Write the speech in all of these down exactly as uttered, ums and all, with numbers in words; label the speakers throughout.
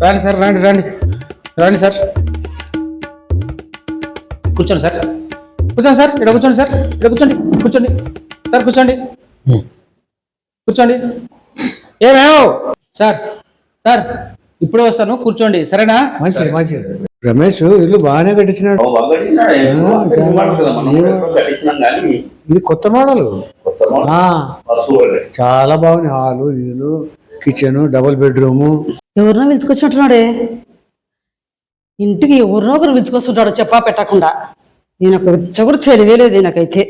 Speaker 1: రండి సార్ రండి రండి రండి సార్ కూర్చోండి సార్ కూర్చోండి సార్ ఇక్కడ కూర్చోండి సార్ ఇక్కడ కూర్చోండి కూర్చోండి సార్ కూర్చోండి కూర్చోండి ఏమేమో సార్ సార్ ఇప్పుడే వస్తాను కూర్చోండి సరేనా?
Speaker 2: మంచిది మంచిది. రమేష్ ఇల్లు బాగానే కట్టించినాడు. ఇది కొత్త మోడల్, చాలా బాగుంది. హాలు ఇల్లు కిచెన్ డబుల్ బెడ్రూమ్.
Speaker 3: ఎవరినో పిలుచుకొచ్చినట్టున్నాడే, ఇంటికి ఎవరినో ఒకరు పిలుచుకొస్తుంటాడు చెప్పా పెట్టకుండా. నేను అక్కడ కూడా తెలియలేదు నాకైతే.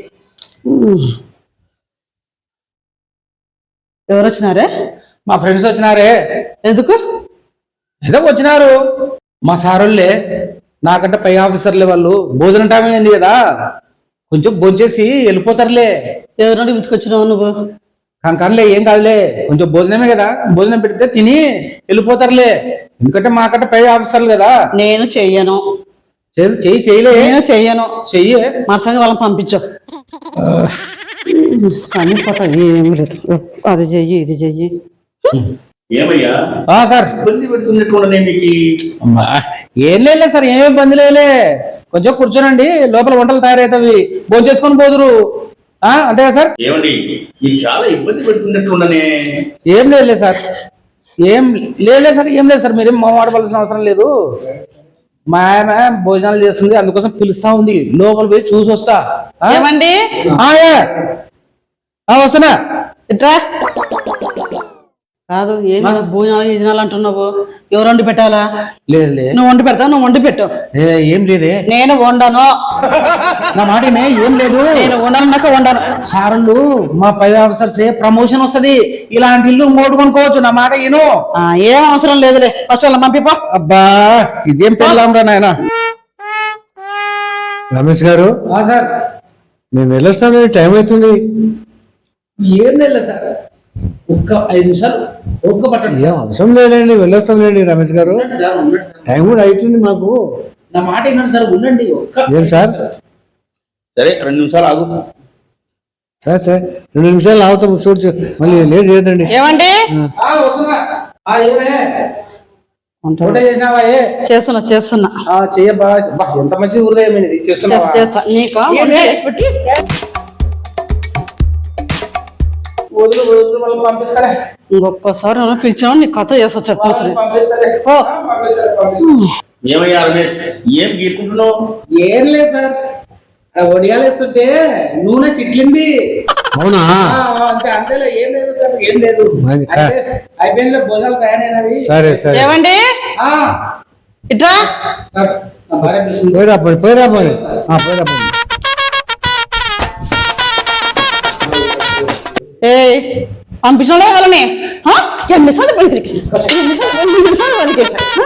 Speaker 3: ఎవరు వచ్చినారే?
Speaker 1: మా ఫ్రెండ్స్ వచ్చినారే.
Speaker 3: ఎందుకు?
Speaker 1: ఏదో వచ్చినారు మా సారోళ్ళే, నాకంటే పై ఆఫీసర్లే వాళ్ళు. భోజనం టైం అయింది కదా, కొంచెం భోంచేసి వెళ్ళిపోతారులే.
Speaker 3: ఎవరినో పిలుచుకొచ్చినావు నువ్వు?
Speaker 1: కంకర్లే ఏం కాదులే, కొంచెం భోజనమే కదా, భోజనం పెడితే తిని వెళ్ళిపోతారులే. ఎందుకంటే మాకంటే పై ఆఫీసర్లు కదా.
Speaker 3: నేను చెయ్యను.
Speaker 1: చెయ్యి చేయలే.
Speaker 3: నేను చెయ్యను. చెయ్యి మరసంగా వాళ్ళని పంపించు. ఏం లేదు, అది చెయ్యి ఇది చెయ్యి.
Speaker 4: ఏమయ్యా
Speaker 1: సార్
Speaker 4: ఇబ్బంది పెడుతున్నట్టు
Speaker 1: ఏం లేదు సార్, ఏమి ఇబ్బంది లేలే. కొంచెం కూర్చోనండి, లోపల వంటలు తయారవుతావి, భోజనం చేసుకొని పోదురు. అంతే కదా సార్?
Speaker 4: ఏమండి మీకు చాలా ఇబ్బంది పెడుతున్నట్లుండనే.
Speaker 1: ఏం లేదు సార్, ఏం లేదు సార్, ఏం లేదు సార్, మీరేం మాట్లాడవలసిన అవసరం లేదు. మా ఆమె భోజనాలు చేస్తుంది, అందుకోసం పిలుస్తా ఉంది. లోపల పోయి చూసి వస్తా.
Speaker 3: ఏమండి
Speaker 1: వస్తున్నా.
Speaker 3: ఇట్రా. కాదు ఏమి భోజనాలు యోజనాలు అంటున్నావు? ఎవరు వండి పెట్టాలా?
Speaker 1: లేదు లేదు,
Speaker 3: నువ్వు వండి పెడతావు, నువ్వు వండి పెట్టు.
Speaker 1: ఏం లేదే,
Speaker 3: నేను వండను.
Speaker 1: నా మాటనే, ఏం లేదు,
Speaker 3: నేను వండనున్నాక వండను.
Speaker 1: సార్లు మా పై ఆఫీసర్స్ ప్రమోషన్ వస్తుంది, ఇలాంటి ఇల్లు మోటు కొనుక్కోవచ్చు. నా మాట ఏను.
Speaker 3: ఏం అవసరం లేదులే, ఫస్ట్ వాళ్ళ పంపిపో.
Speaker 1: అబ్బా ఇదేం పెళ్ళాం రా నాయన.
Speaker 2: రమేష్ గారు
Speaker 1: సార్
Speaker 2: మేము వెళ్ళొస్తాం, టైం అవుతుంది.
Speaker 1: ఏం లేదు సార్, ఒక్క ఐదు నిమిషాలు ఒక్క పట్టండి.
Speaker 2: ఏం అవసరం లేదండి, వెళ్ళొస్తాం లేండి రమేష్ గారు. టైం కూడా అవుతుంది మాకు.
Speaker 1: నా మాట ఏంటండి సార్, ఉండండి.
Speaker 2: ఏం సార్?
Speaker 4: సరే రెండు నిమిషాలు ఆగు
Speaker 2: సార్. సరే రెండు నిమిషాలు ఆగుతాం, చూడు మళ్ళీ లేట్ చేయదండి.
Speaker 3: ఏమండి చేస్తున్నా చేస్తున్నా
Speaker 1: చెయ్యబ్బా, ఎంత మంచి హృదయం ఇది. చేస్తున్నా
Speaker 3: ఇంకొకసారి పిలిచావు నీ కథ చేస్తా చెప్పాల్సి.
Speaker 4: ఏమయ్యా రమేష్, ఏం గీరుకుంటున్నావు?
Speaker 1: ఏం లేదు సార్, వడియాలు వేస్తుంటే నూనె చిట్లింది.
Speaker 2: అవునా?
Speaker 1: అంతే అంతేలే, ఏం లేదు సార్, ఏం లేదు. అయిపోయింది భోజనాలు తయారైనవి.
Speaker 2: సరే సరే.
Speaker 3: ఏమండి ఇట్రా.
Speaker 2: పోయిరా పోయి పోయిరా పోయి పోయిరా పోయి.
Speaker 3: ఏ పంపించడే వాళ్ళని ఎన్నిసార్లు పైసలకి ఎన్నిసార్లు వాళ్ళకి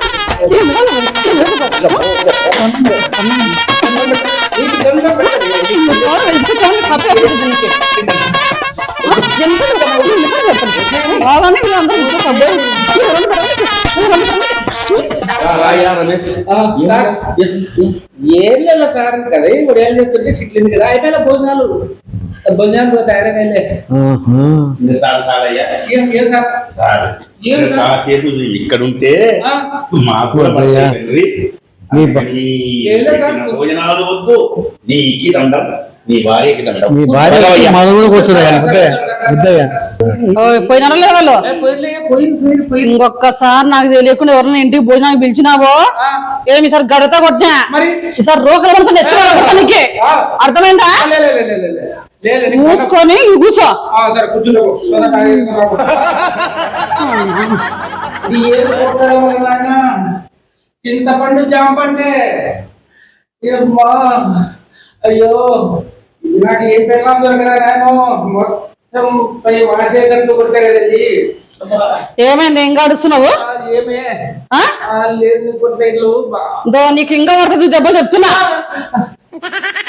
Speaker 1: ఏం లేదు సార్, కదా వడియాలు చేస్తుంటే చిట్లింది కదా, అయిపోయిన భోజనాలు భోజనాలు తయారైనా.
Speaker 4: ఇక్కడ ఉంటే మాకు భోజనాలు వద్దు, నీకి దండం, నీ భార్యకి దండం.
Speaker 2: మీ భార్య
Speaker 3: పోయినా లేదు వాళ్ళు. ఇంకొకసారి నాకు తెలియకుండా ఎవరైనా ఇంటికి భోజనానికి పిలిచినావో ఏమి సార్ గడత కొట్టినా ఈసారి రోకలు పడుతుంది ఎత్తుకోవడానికి. అర్థమైందా? మూసుకొని కూర్చో.
Speaker 1: చింతపండు జాంపండే. అయ్యో నాకు ఏం పెళ్ళాం దొరకరా, మొత్తం పై వాసేటట్టు కొట్టే కదండి.
Speaker 3: ఏమైంది ఏం గడుస్తున్నావు?
Speaker 1: ఏమే లేదు కొట్టేట్లు.
Speaker 3: నీకు ఇంకా పడుతుంది దెబ్బ చెప్తున్నా.